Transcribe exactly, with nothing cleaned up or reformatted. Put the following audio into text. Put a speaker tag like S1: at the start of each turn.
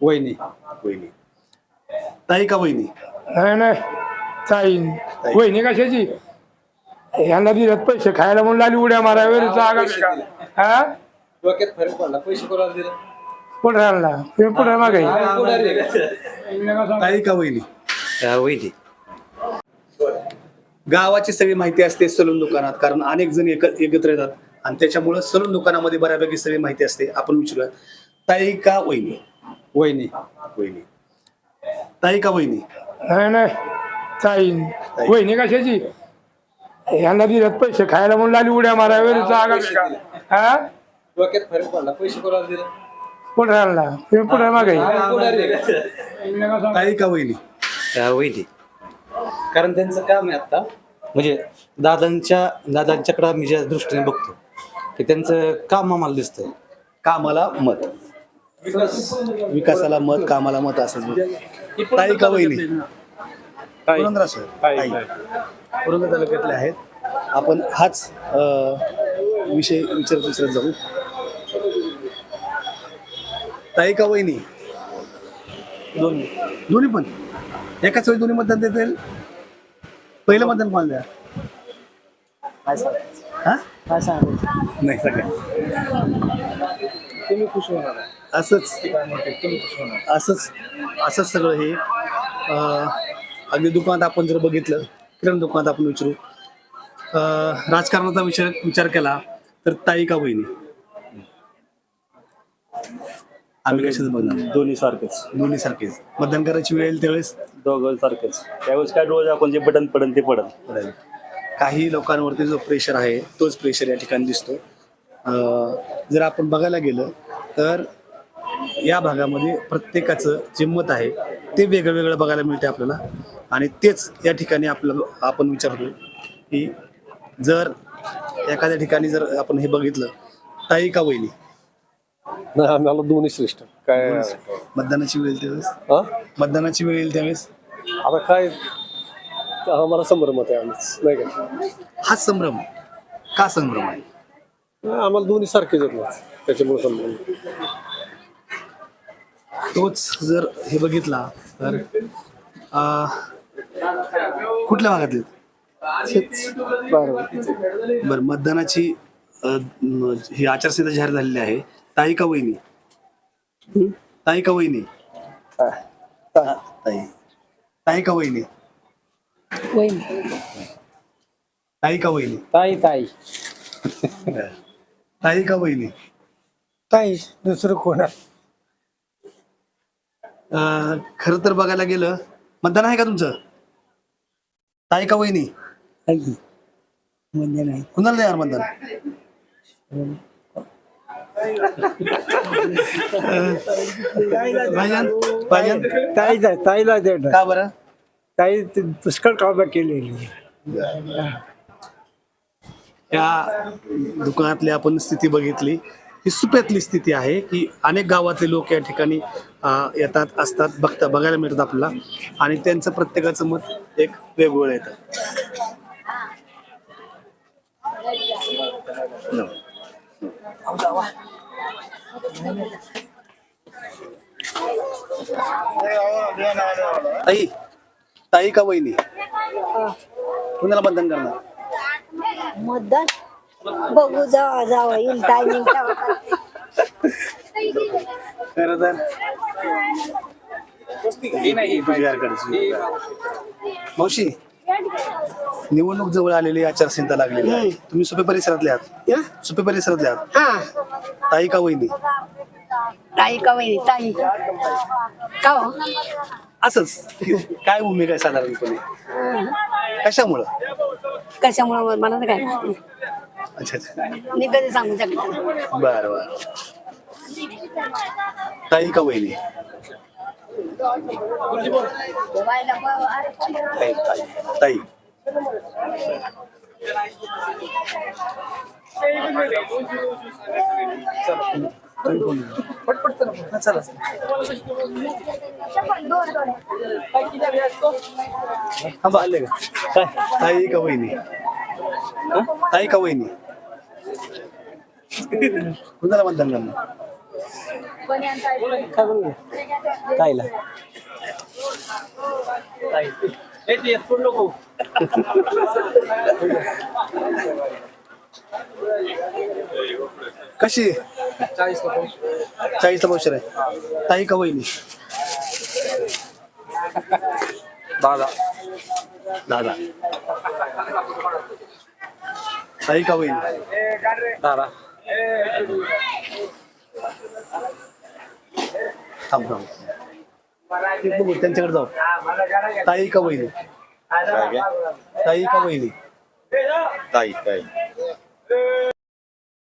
S1: वहिनी.
S2: वहिनी. ताई का वहिनी?
S3: नाही नाही ताई. वहिनी कशाची? ह्यांना दिलेत पैसे खायला म्हणून लागली उड्या मारायला जागा बिगा. हा
S1: डोक्यात फरक पडला. पैसे कोणाला दिले?
S3: पुढे आणला पुढे मागे.
S2: ताई का वहिनी?
S4: वैदी.
S2: गावाची सगळी माहिती असते सलून दुकानात, कारण अनेक जण एक एकत्र येतात आणि त्याच्यामुळे सलून दुकानामध्ये बऱ्यापैकी सगळी माहिती असते. आपण विचारूया, ताई का वहिनी?
S1: वहिनी.
S2: वहिनी. ताई का वहिनी?
S3: नाही नाही ताई. वहिनी कशाची? ह्यांना दिलेत पैसे खायला म्हणून लागली उड्या मारायला जागा बिगा. हा
S1: डोक्यात फरक पडला. पैसे कोणाला दिले?
S3: पुढे आणला पुढे मागे.
S2: ताई का वहिनी?
S4: वैदी.
S1: कारण त्यांचं काम आहे आता.
S4: म्हणजे दादांच्या दादांच्याकडे मी ज्या दृष्टीने बघतो की त्यांचं काम आम्हाला दिसतंय.
S2: कामाला मत, विकासाला मत, कामाला मत असं. ताई का वहिनी? पुरंदर सर. ताई पुरंदर तालुक्यातले आहेत. आपण हाच अं, विषय विचारत विचारत जाऊ. ताई का वहिनी? दोन्ही. दोन्ही पण एकाच वेळी दोन्ही मतदान देता येईल? पहिलं मतदान कोणाला द्या? हा
S3: काय सांगायचं?
S2: नाही सगळ्या
S3: तुम्ही खुश होणार.
S2: असंच असंच असंच सगळं हे अं, अगदी दुकानात आपण जर बघितलं, किराणा दुकानात आपण विचारू, अं, राजकारणाचा विचार विचार केला तर ताई का वहिनी? आम्ही कशाच बघणार?
S5: दोन्ही सारखेच,
S2: दोन्ही सारखेच. मतदान करायची वेळ येईल त्यावेळेस
S5: दोघं सारखेच. त्यावेळेस काय रोज आपण जे बटन पडन ते पडन.
S2: पडेल. काही लोकांवरती जो प्रेशर आहे तोच प्रेशर या ठिकाणी दिसतो. अं, जर आपण बघायला गेलं तर या भागामध्ये प्रत्येकाचं जे मत आहे ते वेगळं वेगळं बघायला मिळते आपल्याला. आणि तेच या ठिकाणी आपल्याला आपण विचारतो की जर एखाद्या ठिकाणी जर आपण हे बघितलं, ताई का वहिनी?
S6: नाही आम्हाला दोन्ही श्रेष्ठ. काय
S2: मतदानाची वेळ येईल त्यावेळेस
S6: हा
S2: मतदानाची वेळ येईल त्यावेळेस
S6: आता काय आम्हाला संभ्रमत आहे आम्हीच नाही का.
S2: हा संभ्रम का संभ्रम आहे?
S6: नाही, आम्हाला दोन्ही सारखेच आहेत ना, त्याच्यामुळे संभ्रम.
S2: तोच जर हे बघितला तर अं, कुठल्या भागातले? बरं, मतदानाची अं, ही आचारसंहिता जाहीर झालेली आहे. ताई का वहिनी? ताई का वहिनी? ताई. ताई का वहिनी? ताई का वहिनी?
S3: ताई ताई
S2: ताई का वहिनी?
S3: ताई. दुसरं कोण?
S2: अं, खरं तर बघायला गेलं, मतदान आहे का तुमचं? ताई का वहिनी?
S3: म्हणजे नाही.
S2: कुणाला द्या मतदान? भाईजान, भाईजान,
S3: ताई ताईला देणार.
S2: का बरं?
S3: ताई पुष्कळ कामं केलेली.
S2: या दुकानातली आपण स्थिती बघितली, ही सुप्यातली स्थिती आहे की अनेक गावातले लोक या ठिकाणी अं, येतात, असतात, बघता बघायला मिळतात आपल्याला. आणि त्यांचं प्रत्येकाचं मत एक वेगवेगळं येतं. ताई, ताई का वहिनी? कुणाला मतदान करणार?
S7: मतदान बघू, जावा जावा येईल टायमिंग.
S2: खरं तर तुझ्याकडे मावशी, निवडणूक जवळ आलेली, आचारसंहिता लागलेली आहे. तुम्ही सुपे परिसरातले आहात? सुपे परिसरातले आहात?
S7: हा
S2: ताई का वहिनी?
S7: ताई का वहिनी? ताई का हो?
S2: असंच काय भूमिका आहे साधारणपणे? कशामुळं?
S7: कशामुळे मला तर काय माहिती.
S2: अच्छा अच्छा,
S7: मी कधी सांगू शकतो.
S2: बरं बरं. ताई का वहिनी? ताई ताई ताई. पटपट चला चला. थांबा, आले का? काय ताई का वहिनी? ताई का वहिनी? कुणाला मतदान करणार?
S6: ताईला
S2: कशी चाळीसला पावशेर आहे. ताई का वहिनी?
S6: दादा
S2: दादा. ताई का वहिनी?
S6: दादा
S2: थांब थांब ते बघू, त्यांच्याकडे जाऊ. ताई का वहिनी? ताई का वहिनी?
S8: ताई ताई